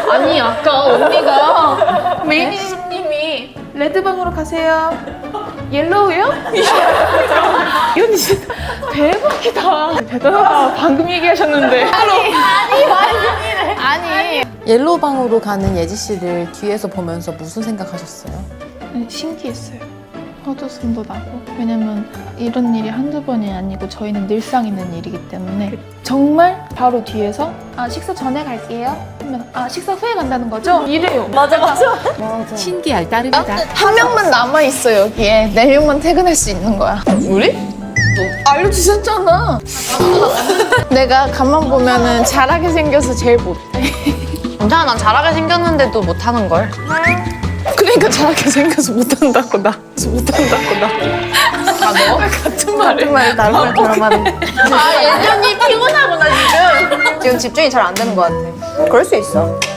아니 아까 언니가 매니저님이 레드방으로 가세요. 옐로우요? 이 언니 진짜 대박이다. 대단하다. 방금 얘기하셨는데. 아니. 옐로우방으로 가는 예지 씨를 뒤에서 보면서 무슨 생각하셨어요? 신기했어요. 헛웃음도 나고. 왜냐면 이런 일이 한두 번이 아니고 저희는 늘상 있는 일이기 때문에 정말 바로 뒤에서 아 식사 전에 갈게요. 하면 아 식사 후에 간다는 거죠? 이래요. 맞아. 신기할 따름이다. 한 명만 남아있어 여기에. 4명만 퇴근할 수 있는 거야. 우리? 알려주셨잖아. 내가 가만 보면은 잘하게 생겨서 제일 못해. 괜찮아, 난 잘하게 생겼는데도 못하는걸. 그러니까 잘하게 생겨서 못한다고 나. 못한다고 나. 아 너? 같은 말을 다른 말 들어봤는데. 아, 예전이 피곤하구나, 지금. 지금 집중이 잘 안 되는 것 같아. 그럴 수 있어.